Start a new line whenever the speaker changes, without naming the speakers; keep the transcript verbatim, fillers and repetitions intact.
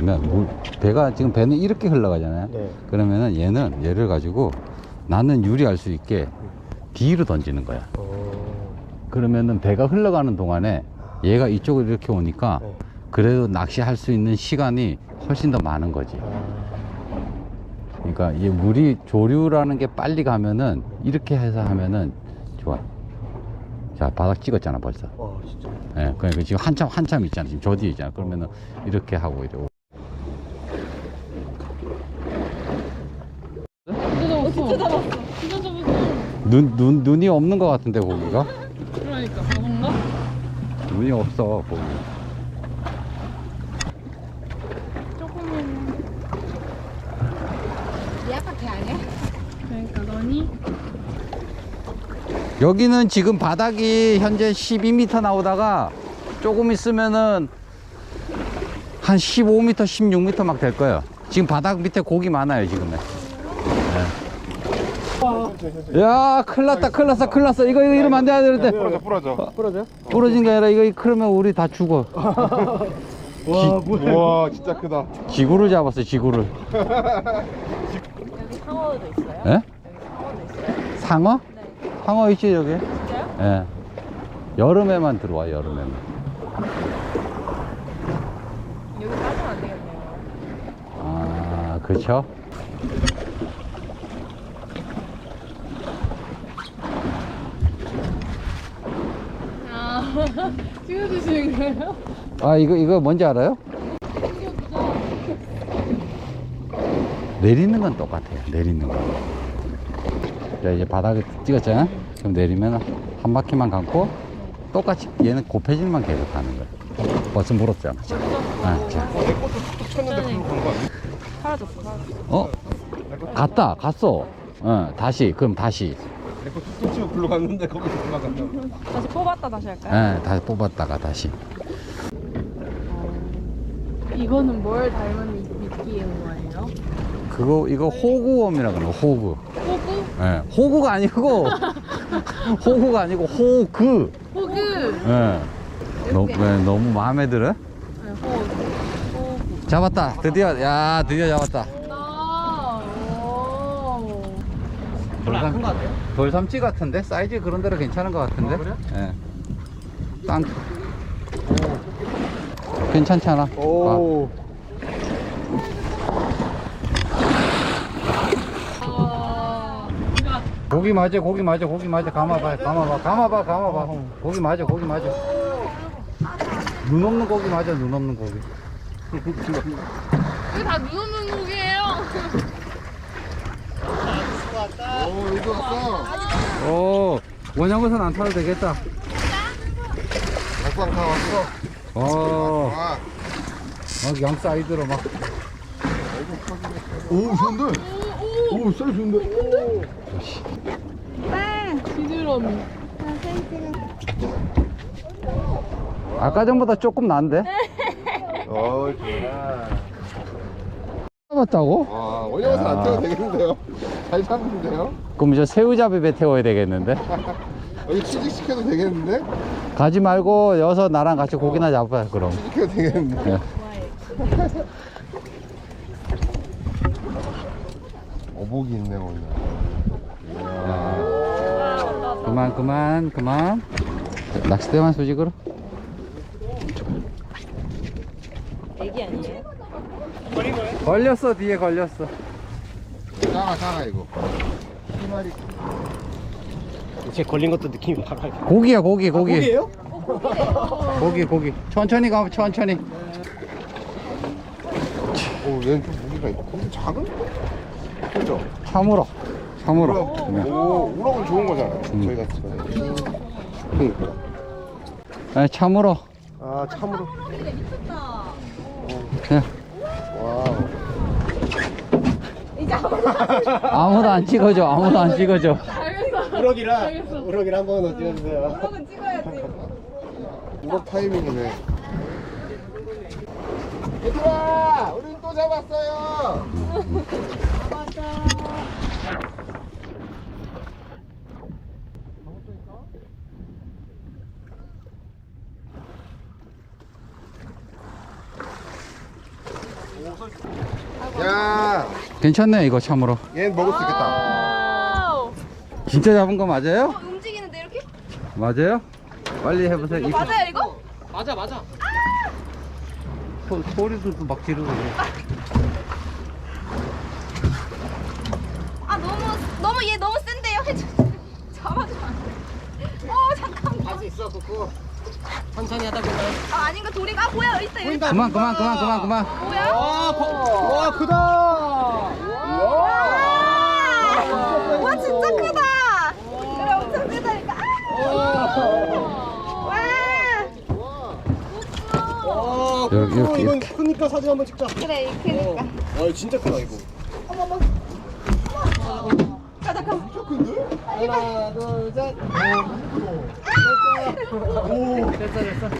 하냐면 물, 배가 지금 배는 이렇게 흘러가잖아요.
네.
그러면은 얘는 얘를 가지고 나는 유리할 수 있게 뒤로 던지는 거야.
어...
그러면은 배가 흘러가는 동안에 얘가 이쪽으로 이렇게 오니까
네.
그래도 낚시할 수 있는 시간이 훨씬 더 많은 거지.
아...
그러니까 이 물이 조류라는 게 빨리 가면은 이렇게 해서 하면은 좋아. 자, 바닥 찍었잖아 벌써.
와, 진짜.
예, 그러니까 지금 한참 한참 있잖아. 지금 저 뒤에 있잖아. 그러면은 이렇게 하고 이러고.
진짜 잡았어. 진짜 잡았어.
눈, 눈, 눈이 없는 것 같은데 고기가?
그러니까 바본가?
눈이 없어 고기.
조금은.
얘 아까 걔 아니야?
그러니까 너니?
여기는 지금 바닥이 현재 십이 미터 나오다가 조금 있으면은 한 십오 미터, 십육 미터 막 될 거예요. 지금 바닥 밑에 고기 많아요 지금은. 네. 야, 큰일 났다, 큰일 났어, 큰일 났어. 이거, 이거 이러면 안 돼, 안 되는데.
부러져, 부러져. 부러져?
부러진 게 아니라 이거 그러면 우리 다 죽어.
와, 뭐야. 와, 진짜 크다.
지구를 잡았어, 지구를.
여기 상어도 있어요?
예?
여기 상어도 있어요?
상어?
네.
상어 있지, 여기?
진짜요?
예. 여름에만 들어와, 여름에만.
여기 빠지면 안 되겠네요.
아, 그쵸?
아, 찍어주시는 거예요?
아, 이거, 이거 뭔지 알아요? 내리는 건 똑같아요. 내리는 거. 자, 이제 바닥에 찍었잖아? 그럼 내리면 한 바퀴만 감고 똑같이 얘는 곱해질만 계속 가는 거야. 벌써 물었잖아. 자. 아, 자.
어, 내 것도 툭툭 쳤는데 그걸로 간거 아니야?
사라졌어, 사라졌어.
어? 갔다, 갔어. 어, 다시, 그럼 다시.
내 거 툭툭 치고 글로 갔는데 거기서 올라간다.
다시 뽑았다 다시 할까요?
예, 다시 뽑았다가 다시.
이거는 뭘 닮은 미끼인 거예요?
그거, 이거 호구웜이라 그래요, 호구.
호구?
예, 호구가 아니고, 호구가 아니고, 호그.
호구!
예. 너무, 왜, 너무 마음에 들어?
네, 호구. 호구.
잡았다. 드디어, 야, 드디어 잡았다.
나, 오.
돌삼, 돌삼치 같은데? 사이즈 그런 대로 괜찮은 것 같은데?
아, 그래?
예. 땅. 괜찮지 않아?
오.
아,
아, 고기 맞아, 고기 맞아, 고기 맞아. 감아봐, 감아봐, 감아봐, 감아봐. 고기 맞아, 고기 맞아. 눈 없는 고기 맞아, 눈 없는 고기.
이거 다 눈 없는 고기예요.
오, 여기 왔어.
오, 원양어선 안 타도 되겠다.
막상 다 왔어.
어,
아,
막 양 사이드로 막.
오, 좋은데? 오, 사이즈 좋은데?
지드러미.
아까 전보다 조금 난데?
어, 좋아.
잡았다고?
와, 원형어선 안 태워도 되겠는데요? 잘 잡는데요?
그럼 저 새우잡이 배 태워야 되겠는데?
여기 취직시켜도 되겠는데?
가지 말고 여기서 나랑 같이 고기나 잡아요, 그럼.
취직해도 되겠는데?
예.
어복이 있네, 오늘.
그만, 그만, 그만. 낚싯대만 수직으로.
애기 아니에요?
걸렸어, 뒤에 걸렸어.
작아, 작아, 이거. 세 마리.
제 걸린 것도 느낌이 바로 알겠네.
고기야, 고기, 고기.
고기예요?
고기, 고기. 천천히 가면 천천히.
오, 얘는 좀 무게가 있고. 근데 작은? 그죠?
참으로. 참으로.
우럭.
네.
오, 우럭은 좋은 거잖아요.
음.
저희 같은 거는. 그러니까.
네, 참으로.
아, 참으로.
네.
와우.
이제 아무도
아무도 안 찍어줘, 아무도 안 찍어줘.
우럭이라 우럭이라 한번 어찌해주세요.
그러면 찍어야지.
우럭 타이밍이네. 얘들아! 우린 또 잡았어요! 야,
괜찮네 이거 참으로.
얘는 먹을 수 있겠다.
와우.
진짜 잡은 거 맞아요?
어, 움직이는데 이렇게?
맞아요? 빨리 해보세요. 이거
맞아요 이거?
맞아 맞아.
소, 소리도 막 지르고.
아 너무 너무 얘 너무 센데요? 해줘. 잡아줘. 어 잠깐만.
할 수 있어 그거. 천천히 하다 보면.
아 아닌가 도리가 아, 뭐야 여기 있다 여기 있다.
그만 그만 그만 그만 그만.
뭐야?
와, 거, 와 크다.
와 진짜 크다. 그래 엄청 크다니까. 아! 와.
와,
이렇게,
이거
이렇게,
이건
이렇게.
크니까 사진 한번 찍자.
그래 이렇게니까.
어, 와, 진짜 크다 이거.
자 잠깐.
하나, 둘, 셋. 됐어, 됐어. 됐어, 됐어.